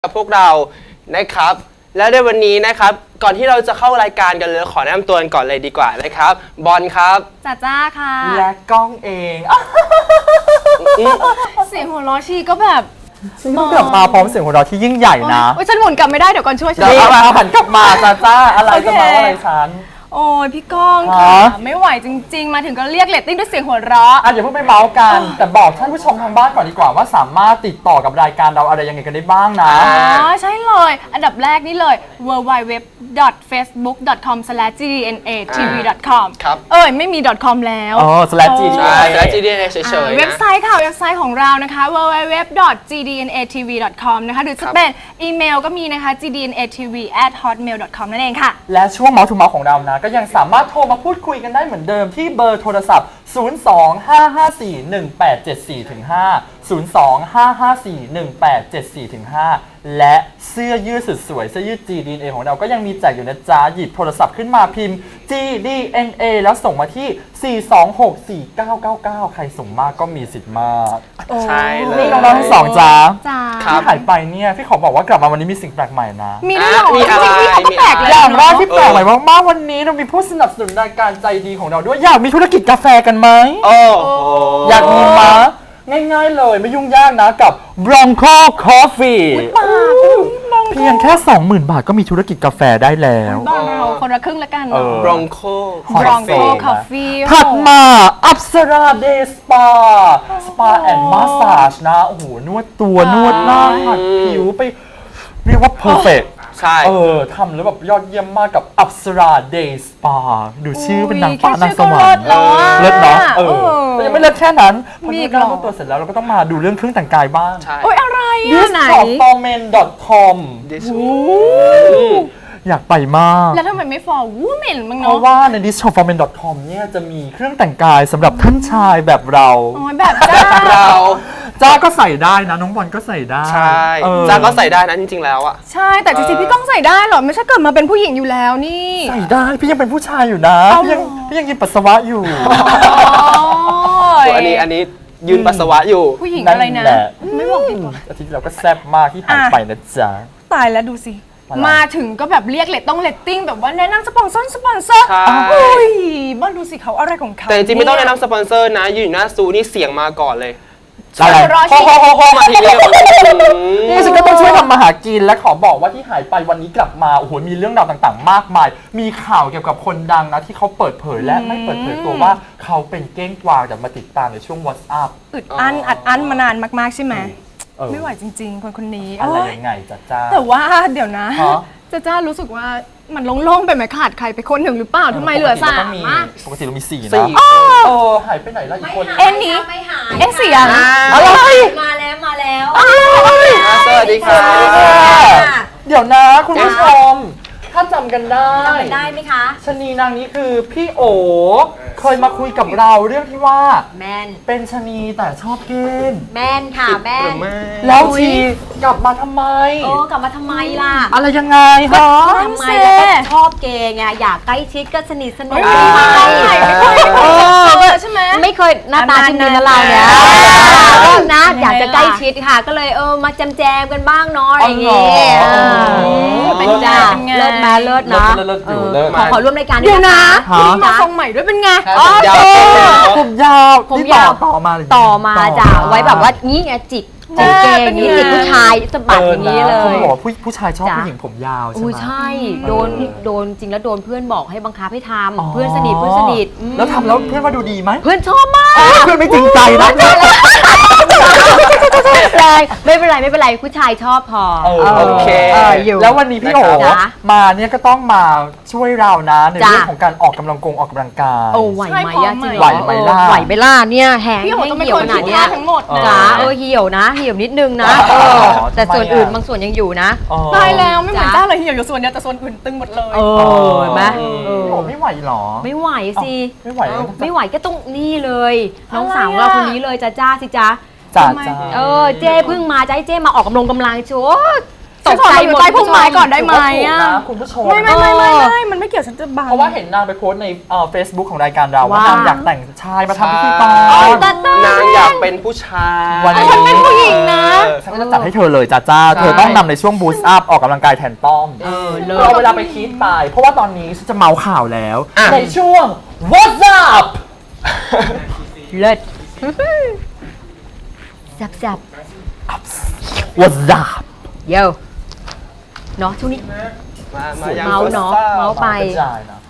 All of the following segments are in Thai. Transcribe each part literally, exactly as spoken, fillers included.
กับพวกเรานะครับและในวันนี้นะครับก่อนที่เราจะเข้ารายการกันเลยขอแนะนำตัวกันก่อนเลยดีกว่านะครับบอลครับจ้าจ้าค่ะและก้องเองเสียงหัวเราะชีก็แบบต้องกลับมาพร้อมเสียงหัวเราะที่ยิ่งใหญ่นะโอ้ยฉันหมุนกลับไม่ได้เดี๋ยวก่อนช่วยฉันเดี๋ยวเอาหันกลับมาจ้าจ้าอะไรจะมาอะไรฉันโอ้ยพี่ก้องค่ะไม่ไหวจริงๆมาถึงก็เรียกเรตติ้งด้วยเสียงหัวเราะอ่ะอย่าเพิ่งไปเมาส์กันแต่บอกท่านผู้ชมทางบ้านก่อนดีกว่าว่าสามารถติดต่อกับรายการเราอะไรยังไงกันได้บ้างนะอ๋อใช่เลยอันดับแรกนี่เลย ดับเบิลยู ดับเบิลยู ดับเบิลยู ดอท เฟซบุ๊ก ดอท คอม สแลช จี ดี เอ็น เอ ที วี ดอท คอมครับเอ้ยไม่มี .com แล้วอ๋อ slash จี ดี เอ็น เอใช่แล้ว จี ดี เอ็น เอ เฉยๆนะเว็บไซต์ค่ะเว็บไซต์ของเรานะคะ ดับเบิลยู ดับเบิลยู ดับเบิลยู ดอท จี ดี เอ็น เอ ที วี ดอท คอม นะคะหรือจะเป็นอีเมลก็มีนะคะ จี ดี เอ็น เอ ที วี แอท ฮอตเมล ดอท คอม นั่นเองค่ะและช่วงเมาส์ทูเมาส์ของเรานะก็ยังสามารถโทรมาพูดคุยกันได้เหมือนเดิมที่เบอร์โทรศัพท์ ศูนย์ สอง ห้า ห้า สี่ หนึ่ง แปด เจ็ด สี่ ห้า ศูนย์ สอง ห้า ห้า สี่ หนึ่ง แปด เจ็ด สี่ ห้า และเสื้อยืดสุดสวยเสื้อยืด จี ดี เอ็น เอ ของเราก็ยังมีแจกอยู่นะจ๊ะหยิบโทรศัพท์ขึ้นมาพิมพ์ จี ดี เอ็น เอ แล้วส่งมาที่ สี่ สอง หก สี่ เก้า เก้า เก้า ใครส่งมากก็มีสิทธิ์มากใช่เลยนี่น้องๆทั้งสองจ้าที่หายไปเนี่ยพี่ขอบอกว่ากลับมาวันนี้มีสิ่งแปลกใหม่นะมีด้วยเหรอจริงๆพี่เขาก็แปลกเลยอย่างแรกที่แปลกใหม่มากๆวันนี้เรามีผู้สนับสนุนรายการใจดีของเราด้วยอยากมีธุรกิจกาแฟกันไหมโอ้อยากมีมะง่ายๆเลยไม่ยุ่งยากนะกับ Bronco Coffee เพียงแค่ สองหมื่น บาทก็มีธุรกิจกาแฟได้แล้วบ้านเราคนละครึ่งละกัน Bronco Bronco Coffee ถัดมาอัปสราเดย์สปาสปาแอนด์มาสซาจนะโอ้โหนวดตัวนวดหน้าหัดผิวไปเรียกว่า perfect ใช่เออทำแล้วแบบยอดเยี่ยมมากกับอัปสราเดย์สปาดูชื่อเป็นนางฟ้านางสวรรค์เลิศเนาะเออแต่ยังไม่เลิศแค่นั้นพอดูหน้าตัวเสร็จแล้วเราก็ต้องมาดูเรื่องเครื่องแต่งกายบ้างโอ้ยอะไรอ่ะไหนดิส ฟอร์เมน ดอท คอม อยากไปมากแล้วทำไมไม่ for women มั้งเนาะเพราะว่าใน ดิส ฟอร์เมน ดอท คอม เนี่ยจะมีเครื่องแต่งกายสำหรับท่านชายแบบเราอ๋อแบบจ้าเราจ้าก็ใส่ได้นะน้องบอลก็ใส่ได้ใช่จ้าก็ใส่ได้นะจริงๆแล้วอ่ะใช่แต่จริงๆพี่ก้องใส่ได้หรอไม่ใช่เกิดมาเป็นผู้หญิงอยู่แล้วนี่ใส่ได้พี่ยังเป็นผู้ชายอยู่นะพี่ยังพี่ยังกินปัสสาวะอยู่อันนี้อันนี้ยืนปัสสาวะอยู่ผู้หญิงอะไรนะไม่บอกดีกว่าอาทิตย์เราก็แซ่บมากที่หายไปนะจ๊ะตายแล้วดูสิมาถึงก็แบบเรียกเลตต้องเลตติ้งแบบว่าแนะนำสปอนเซอร์สปอนเซอร์เฮ้ยบ้านดูสิเขาอะไรของเขาแต่จริงๆไม่ต้องแนะนำสปอนเซอร์นะยืนอยู่หน้าซูนี่เสียงมาก่อนเลยอะไรโฮโฮโฮโฮมาทีเดียวนี่ฉันก็ต้องช่วยทำมาหากินและขอบอกว่าที่หายไปวันนี้กลับมาโอ้โหมีเรื่องราวต่างๆมากมายมีข่าวเกี่ยวกับคนดังนะที่เขาเปิดเผยและไม่เปิดเผยตัวว่าเขาเป็นเก้งกวางแต่มาติดตามในช่วง WhatsApp อึดอั้นอัดอั้นมานานมากๆใช่ไหมไม่ไหวจริงๆคนคนนี้อะไรยังไงจ้าจ้าแต่ว่าเดี๋ยวนะจ้าจ้ารู้สึกว่ามันโล่งๆไปไหมขาดใครไปคนหนึ่งหรือเปล่าทำไมเหลือสามปกติเรามีสี่นะเออหายไปไหนแล้วอีกคนเอ็นนี้เอ็นเสียงอะไรมาแล้วมาแล้วสวัสดีค่ะเดี๋ยวนะคุณผู้ชมถ้าจำกันได้จำกันได้ไหมคะชนีนางนี้คือพี่โอเคยมาคุยกับเราเรื่องที่ว่าแมนเป็นชนีแต่ชอบเกมแมนค่ะแมนแล้วชีกลับมาทำไมโอ้กลับมาทำไมล่ะอะไรยังไงฮะทำไมแล้วก็ชอบเกย์ไงอยากใกล้ชิดก็สนิทสนมใช่ไหมไม่เคยหน้าตาชิมดีนะเราเนี่ยนะอยากจะใกล้ชิดค่ะก็เลยเออมาแจมแจมกันบ้างเนาะอย่างเงี้ยเป็นจ้าเลิศมาเลิศนะขอขอร่วมรายการด้วยนะมาทรงใหม่ด้วยเป็นไงผมยาวผมยาวต่อมาต่อมาจ้ะไว้แบบว่านี้ไงจิกจิกเกย์นี่จิกผู้ชายสะบัดอย่างนี้เลยเขาบอกผู้ผู้ชายชอบผู้หญิงผมยาวใช่ไหมใช่โดนโดนจริงแล้วโดนเพื่อนบอกให้บังคับให้ทำเพื่อนสนิทเพื่อนสนิทแล้วทำแล้วเพื่อนว่าดูดีไหมเพื่อนชอบมากเพื่อนไม่จริงใจนะไม่เป็นไรไม่เป็นไรผู้ชายชอบพอโอเคแล้ววันนี้พี่โอ๋มาเนี่ยก็ต้องมาช่วยเรานะในเรื่องของการออกกำลังกงออกกำลังกายโอ้ไหวไหมอะจริงไหวไหมล่ะไหวไหมล่ะเนี่ยแห้งเหี่ยวขนาดนี้จ้าเออเหี่ยวนะเหี่ยวนิดนึงนะแต่ส่วนอื่นบางส่วนยังอยู่นะตายแล้วไม่เหมือนจ้าเลยเหี่ยวอยู่ส่วนเดียวแต่ส่วนอื่นตึงหมดเลยเออเห็นไหมไม่ไหวหรอไม่ไหวสิไม่ไหวไม่ไหวก็ต้องนี่เลยน้องสาวเราคนนี้เลยจ้าจ้าสิจ้าจ้าเออเจ้เพิ่งมาจ้าเจ้มาออกกำลังกำลังโชว์ตกใจหมดใต้พุ่มไม้ก่อนได้ไหมถืว่าถูกอ่ะนะคุณผู้ชมไม่ไม่ไม่ไม่ไม่มันไม่เกี่ยวฉันจะบังเพราะว่าเห็นนางไปโพสต์ในเฟซบุ๊กของรายการเราว่าว่านางอยากแต่งชายมาทำพิธีกรใช่ตาตานางอยากเป็นผู้ชายวันนี้ฉันเป็นผู้หญิงนะฉันก็จะจัดให้เธอเลยจ้าจ้าใช่เธอต้องนำในช่วงบูสต์อัพออกกำลังกายแทนต้อมเออเลยเราเวลาไปคิดไป เพราะว่าตอนนี้ฉันจะเมาข่าวแล้วอ่ะในช่วง What's up เลิศจับจับ What's up เยวเนาะช่วงนี้มามายังเมาเนาะ What's up เมาไปกระจายนะ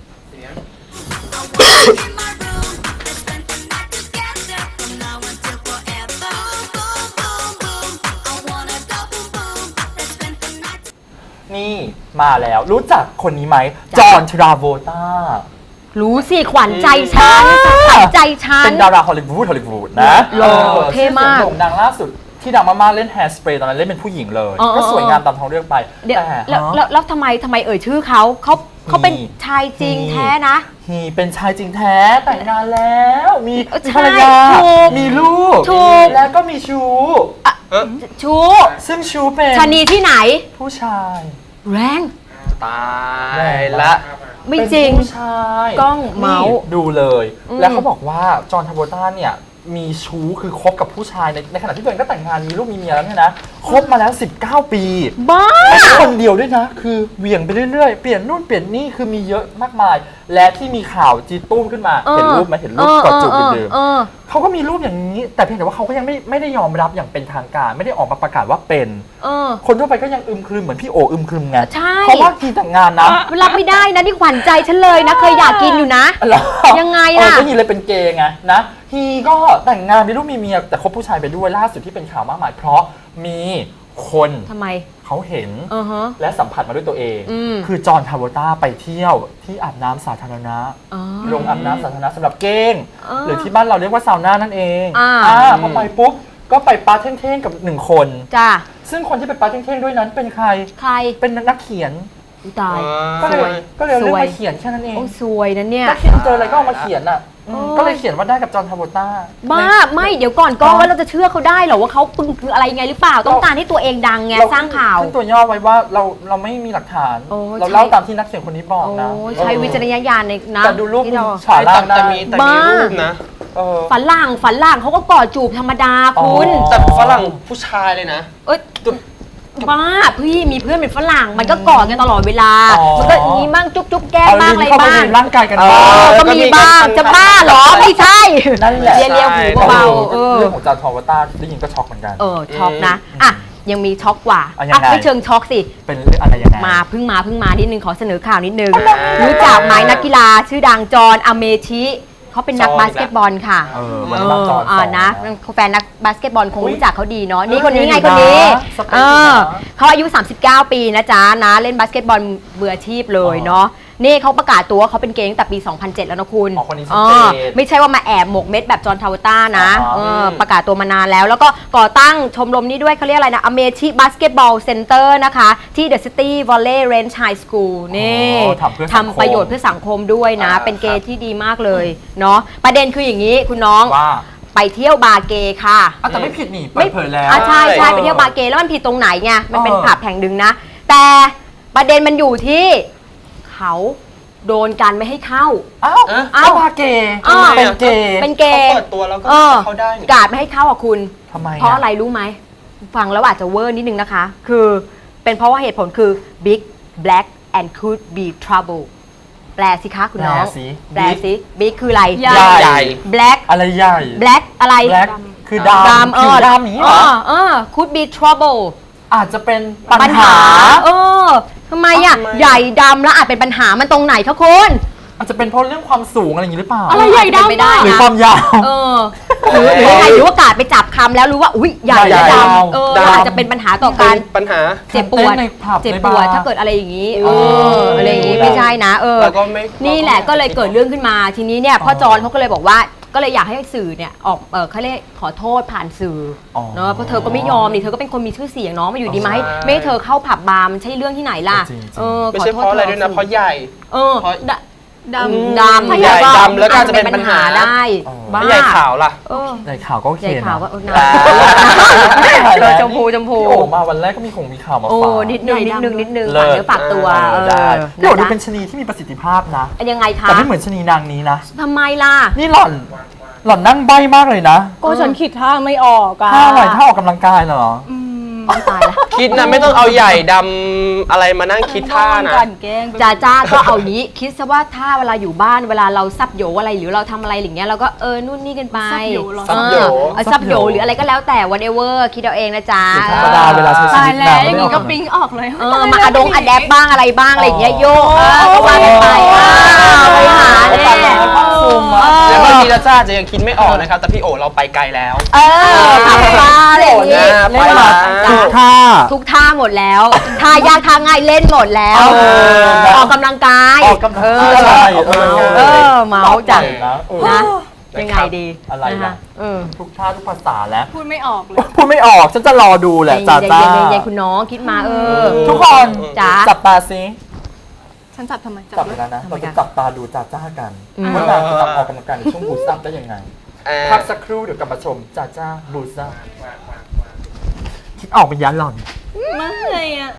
นี่มาแล้วรู้จักคนนี้ไหม จอห์นทราโวลตารู้สิขวัญใจฉันขวัญใจฉันเป็นดาราฮอลลีวูดฮอลลีวูดนะหล่อออเท่มากชื่อสียงโด่งดังล่าสุดที่ดังมากๆเล่น Hairspray ตอนนั้นเล่นเป็นผู้หญิงเลยอ๋อก็สวยงามตามท้องเรื่องไปเดี๋ยวแต่แล้วฮะแล้วแล้วทำไมทำไมเอ่ยชื่อเขาเขาเขาเป็นมีชายจริงมีแท้นะฮีเป็นชายจริงแท้แต่งงานแล้ว มีเออมีภรรยาใช่ถูกมีลูกถูกแล้วก็มีชู้ชูซึ่งชู้เป็นชะนีที่ไหนผู้ชายแรงตายละไม่จริงเป็นผู้ชายกล้องเมาส์นี่ดูเลยอืมแล้วเขาบอกว่าจอห์นทราโวลตาเนี่ยมีชู้คือคบกับผู้ชายในในขณะที่ตัวเองก็แต่งงานมีลูกมีเมียแล้วเนี่ยนะคบมาแล้วสิบเก้าปีบ้าไม่ใช่คนเดียวด้วยนะ คือเหวี่ยงไปเรื่อยๆ เปลี่ยนนู่นเปลี่ยนนี่คือมีเยอะมากมาย และที่มีข่าวจีตุ้มขึ้นมาเออเห็นรูปไหมเห็นรูปกอดจูบเดิมเออๆเขาก็มีรูปอย่างนี้ แต่เพียงแต่ว่าเขาก็ยังไม่ไม่ได้ยอมรับอย่างเป็นทางการ ไม่ได้ออกมาประกาศว่าเป็นเออคนทั่วไปก็ยังอึมครึมเหมือนพี่โออึมครึมไงใช่เพราะว่าทีแต่งงานนะรับไม่ได้นะนี่ขวัญใจฉันเลยนะ เคยอยากกินอยู่นะเหรอยังไงเออล่ะก็ฮีเลยเป็นเกย์ไงนะฮีก็แต่งงานมีลูกมีเมียแต่คบผู้ชายไปด้วยล่าสุดที่เป็นข่าวมากมาย เพราะมีคนทำไมเขาเห็นเออฮะและสัมผัสมาด้วยตัวเองอืมคือจอห์นทราโวลตาไปเที่ยวที่อาบน้ำสาธารณะอ๋อโรงอาบน้ำสาธารณะสำหรับเก้งอ่าหรือที่บ้านเราเรียกว่าซาวน่านั่นเองอ่าพอไปปุ๊บ ก็ไปปาร์ตี้เท่งๆกับหนึ่งคนจ้าซึ่งคนที่ไปปาร์ตี้เท่งๆด้วยนั้นเป็นใครใครเป็นนักเขียนอุ๊ยตายก็เลยก็เลยเอาเรื่องสวยมาเขียนแค่นั้นเองโอ้สวยนะเนี่ยนักเขียนเจออะไรก็เอามาเขียนอ่ะอืมโอ้ยก็เลยเขียนว่าได้กับจอห์นทราโวลตาบ้าไม่เดี๋ยวก่อนก็ว่าเราจะเชื่อเขาได้เหรอว่าเขาปึงคืออะไรไงหรือเปล่า ต้องการให้ตัวเองดังไงเสร้างข่าวขึ้นตัวย่อไว้ว่าเราเราไม่มีหลักฐานโอ้ยเราใช่เล่าตามที่นักเขียนคนนี้บอกโอ้นะใช้วิจารณญาณในนะแต่ดูรูปที่เราฉาล่างได้แต่มีแต่มีบ้ารูปนะเออฝันหลังฝันหลังเขาก็กอดจูบธรรมดาคุณอ๋อแต่ฝรั่งผู้ชายเลยนะเอ้ยบ้าพี่มีเพื่อนเป็นฝรั่งมันก็กอดกันตลอดเวลาอ๋อมันก็อย่างนี้บ้างจุ๊บจุ๊บแก้มเอาบ้างลิ้อะไรนเข้าไปบ้างในร่างกายกันเออบ้างเออก็มีบ้างจะบ้าเหรอไม่ใช่นั่นแหละเลียเลียหูเบาๆเออเรื่องของจอห์นทราโวลตาได้ยินก็ช็อกเหมือนกันเออช็อกนะอ่ะยังมีช็อกกว่าอ่ะยังอ่ะไงไม่เชิงช็อกสิเป็นเรื่องอะไรยังไงมาเพิ่งมาเพิ่งมานิดนึงขอเสนอข่าวนิดนึง รู้จักไหมนักกีฬาชื่อดังจอห์นอเมชิเขาเป็นนักจอห์นบาสเกตบอลค่ะเออวันนี้มาจอห์นอ่าสอนนะนะแฟนนักบาสเกตบอลคงอุ๊ยรู้จักเขาดีเนาะเออนี่คนนี้ไงดีคนนี้นะสเปคเอดีอนะเขาอายุ สามสิบเก้า ปีนะจ๊ะนะเล่นบาสเกตบอลมืออาชีพเลยเนาะนี่เขาประกาศตัวว่าเขาเป็นเกย์ตั้งแต่ปี สองพันเจ็ด แล้วนะคุณอ๋อคนนี้ชัดเอเจอน ไม่ใช่ว่ามาแอบหมกเม็ดแบบจอห์นทราโวลตานะอ๋อเออประกาศตัวมานานแล้ว แล้วก็ก่อตั้งชมรมนี้ด้วยเขาเรียกอะไรนะอเมชิบาสเกตบอลเซ็นเตอร์นะคะที่ The City Valley Ranch High School นี่อ๋อทำเพื่อสังคมทำประโยชน์เพื่อสังคมด้วยนะอ่าเป็นเกย์ที่ดีมากเลยเนาะประเด็นคืออย่างนี้คุณน้องว่าไปเที่ยวบาร์เกย์ค่ะอ่ะแต่ไม่ผิดนี่เปิดเผยแล้วอ่ะใช่ใช่เออไปเที่ยวบาร์เกย์แล้วมันผิดตรงไหนไงมันเป็นเออผับแห่งหนึ่งนะ แต่ประเด็นมันอยู่ที่เขาโดนกันไม่ให้เข้าอ้าวเอ๊ะอ้าวพาเกย์อ้าวเป็นเกย์เป็นเกเขาย์เปิดตัวแล้วก็เออเขาได้นี่กาดไม่ให้เข้าอ่ะคุณทำไมเพราะอะไรรู้ไหม ฟังแล้วอาจจะเวอร์นิดนึงนะคะ คือเป็นเพราะว่าเหตุผลคือ big black and could be trouble แปลสิคะคุณน้องแปลสิแปลสิ big คืออะไรใหญ่ใหญ่ black อะไรใหญ่ black อะไรแบล็คคือดำดำเอผิวอดำอย่างนี้เหรเอออเออ could be trouble อาจจะเป็นปัปัญญหาหา เออทำไมอ่ะทำไมใหญ่ดำแล้วอาจเป็นปัญหามันตรงไหนคะคุณอาจจะเป็นเพราะเรื่องความสูงอะไรอย่างนี้หรือเปล่าอะไรใหญ่ดำเป็นไปได้หรือนะความยาวเออหรือหรือยังไงหรือว่ากาดไปจับคำแล้วรู้ว่าอุ้ยใหญ่และใหญ่ดยาวำเออดำอาจจะเป็นปัญหาต่อเป็การนปัญหาเจ็บปวดเต้นในผับเจ็บในปบาร์วดถ้าเกิดอะไรอย่างนี้ เอเออออะไรอย่างนี้รู้ไม่แล้วใช่นะ เออแล้วก็ไม่นี่แหละก็เลยเกิดเรื่องขึ้นมาทีนี้เนี่ยพ่ออ๋อจอนเขาก็เลยบอกว่าก็เลยอยากให้สื่อเนี่ยออกเออเขาเรียกขอโทษผ่านสื่อออเนาะเพราะเธอก็ไม่ยอมนี่เธอก็เป็นคนมีชื่อเสียงเนาะมาอยู่ดีมาให้ใช่ไม่ให้เธอเข้าผับบาร์มันใช่เรื่องที่ไหนล่ะจริงๆเออไม่ขอใช่โทเพษราะอะไรธด้วยนะเพราะใหญ่เออเพราะดะดำดำใหญ่ดำแล้วก็อาจจะเป็นปัญหาได้อ๋อบ้าใหญ่ขาวล่ะเออใหญ่ข่าวก็โอเคใหญ่ขาวก็นะเอออ่าเออชมพูชมพูพี่โอมาวันแรกก็มีคงมีข่าวมาโอ้ฝากนิดนึงนิดนึงนิดนึงเลิฝากศเนื้อฝากตัวเอเอออได้พี่โอดูะเป็นชะนีที่มีประสิทธิภาพนะยังไงคะแต่ไม่เหมือนชะนีนางนี้นะทำไมล่ะนี่หล่อน หล่อนนั่งใบ้มากเลยนะก็ฉันคิดท่าไม่ออกอะท่าอะไรท่าออกกำลังกายเหรออืมต้องตายละคิดนะไม่ต้องเอาใหญ่ดำอะไรมานั่งคิดท่านะกลั่นแกล้งไปจ้าจ้าก็เอานี้คิดซะว่าถ้าเวลาอยู่บ้านเวลาเราซับโยอะไรหรือเราทำอะไรอย่างเงี้ยเราก็เออนู่นนี่กันไปซับโยเหรอซับโยเออเอาซับโยหรืออะไรก็แล้วแต่ whatever คิดเอาเองนะจ๊ะหรือธรรมดาเวลาใช้ชีตายวิตแล้วนางอย่างไม่นี้อก็อกปิ๊งออกเลยเออมาอะดงอะแดปบ้างอะไรบ้างอะไรอย่างเงี้ยโยกเออโอ้ก็ว่ากันไปอ่าบริหารตายเนี่แล้ยวภาคภูมิอะแล้วบางทีเราจ้าจะยังคิดไม่ออกนะครับ แต่พี่โอเราไปไกลแล้วเออทำมาอะไรอย่างงี้โอ้เนี่ยเล่นมาไปละทุกท่าทุกท่าหมดแล้วท่ายากท่าง่ายเล่นหมดแล้วเออออกกำลังกายออกกำลังเออใช่เออเออเมาส์จังนะเออนะยังไงดีอะไรนะล่ะคะเออทุกท่าทุกภาษาแล้วพูดไม่ออกเลยพูดไม่ออกฉันจะรอดูแหละจ้าเย็นจ้าๆเย็นๆเย็นๆคุณน้องคิดมาเออทุกคนจ๋าจับตาซิฉันจับทำไมจับเลเลย ยนะนะทำไมเราจะคะจับตาดูจ้าจ้ากันอืมว่านางจะทำออกกำลังกายในช่วงบูสต์อัพได้ยังไงเอ่อพักสักครู่เดี๋ยวกลับมาชมจ้าจ้าบูสต์อัพคิดออกเป็นยันหล่อนไม่อะ